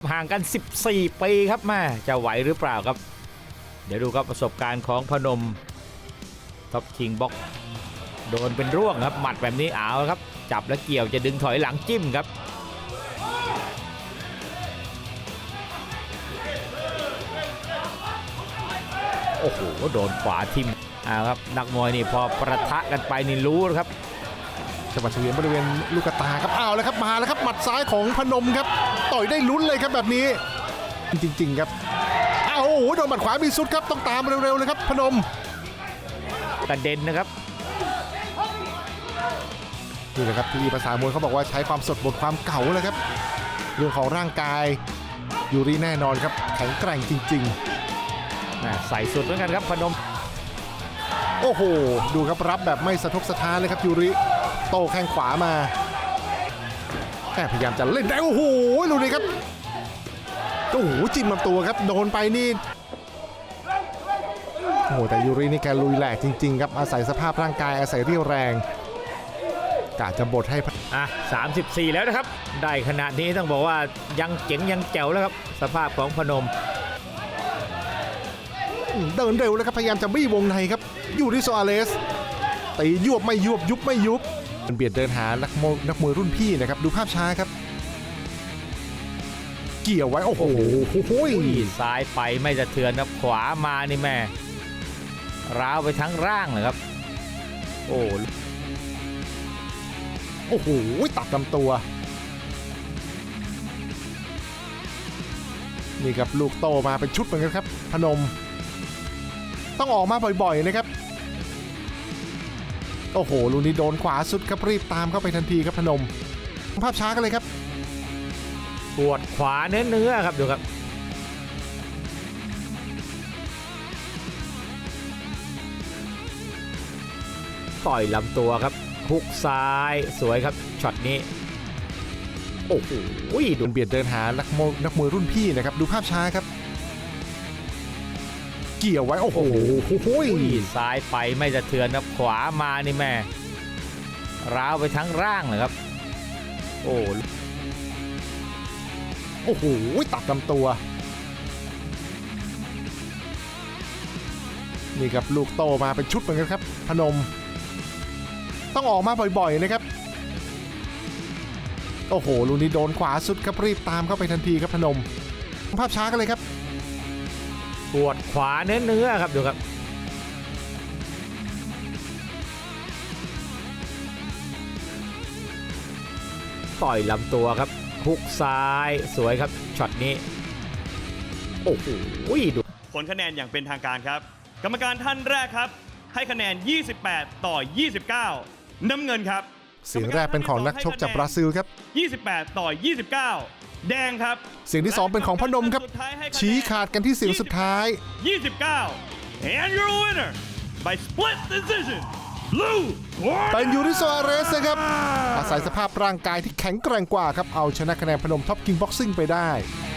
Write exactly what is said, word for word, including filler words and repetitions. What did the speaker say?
ห่างกันสิบสี่ปีครับแม่จะไหวหรือเปล่าครับเดี๋ยวดูครับประสบการณ์ของพนมท็อปคิงบ็อกโดนเป็นร่วงครับหมัดแบบนี้เอาครับจับแล้วเกี่ยวจะดึงถอยหลังจิ้มครับโอ้โหโดนขวาทิ่มอ่าครับนักมวยนี่พอประทะกันไปนี่รู้ครับจังหวะเฉวียนบริเวณลูกตาครับอ้าวแล้วครับมาแล้วครับหมัดซ้ายของพนมครับต่อยได้ลุ้นเลยครับแบบนี้จริงๆครับอ้าวโอ้โหโดนหมัดขวามีสุดครับต้องตามเร็วๆเลยครับพนมกระเด็นนะครับนี่แหละครับที่ภาษามวยเขาบอกว่าใช้ความสดบทความเก่าเลยครับเรื่องของร่างกายยูริแน่นอนครับแข็งแกร่งจริงๆใส่สุดเหมือนกันครับพนมโอ้โหดูครับรับแบบไม่สะทกสะท้านเลยครับยูริโต้แข้งขวามาแค่พยายามจะเล่นได้โอ้โหดูดิครับโอ้โหจิ้มลำตัวครับโดนไปนี่โอ้โหแต่ยูรินี่แกลุยแหลกจริงๆครับอาศัยสภาพร่างกายอาศัยเรี่ยวแรงกะจะบดให้อ่ะสามสิบสี่แล้วนะครับได้ขนาดนี้ต้องบอกว่ายังเจ๋งยังแจ๋วแล้วครับสภาพของพนมเดินเร็วแล้วครับพยายามจะบี้วงในครับยูริโซอาเลสตียวบไม่ยวบยุบไม่ยุบมันเบียดเดินหานักมวยนักมวยรุ่นพี่นะครับดูภาพช้าครับเกี่ยวไว้โอ้โหซ้ายไปไม่สะเทือนครับขวามานี่แม่ร้าวไปทั้งร่างเลยครับโอ้โอ้โหตัดลำตัวนี่ครับลูกโตมาเป็นชุดเหมือนกันครับพนมต้องออกมาบ่อยๆนะครับโอ้โหลูกนี้โดนขวาสุดครับรีบตามเข้าไปทันทีครับพนมภาพช้ากันเลยครับปวดขวาเนื้อเนื้อครับดูครับต่อยลำตัวครับฮุกซ้ายสวยครับช็อตนี้โอ้โหดูเบียดเดินหานักมวยนักมวยรุ่นพี่นะครับดูภาพช้าครับเกี่ยวไว้โอ้โหซ้ายไปไม่สะเทือนครับขวามานี่แม่ร้าวไปทั้งร่างเลยครับโอ้โอ้โหตัดลำตัวนี่ครับลูกโตมาเป็นชุดเหมือนกันครับพนมต้องออกมาบ่อยๆนะครับโอ้โหลูกนี้โดนขวาสุดครับรีบตามเข้าไปทันทีครับพนมภาพช้ากันเลยครับปวดขวาเนื้อเนื้อครับดูครับต่อยลำตัวครับฮุกซ้ายสวยครับช็อตนี้โอ้โหดูผลคะแนนอย่างเป็นทางการครับกรรมการท่านแรกครับให้คะแนนยี่สิบแปดต่อยี่สิบเก้าน้ำเงินครับเสียงแรกเป็นของนักชกจากบราซิลครับยี่สิบแปดต่อยี่สิบเก้าแดงครับเสียงที่สองเป็นของพนมครับชี้ขาดกันที่เสียงสุดท้ายยี่สิบเก้า and your winner by split decision blue เป็นยูริโซอาเรสนะครับอาศัยสภาพร่างกายที่แข็งแกร่งกว่าครับเอาชนะคะแนนพนมท็อปคิงบ็อกซิ่งไปได้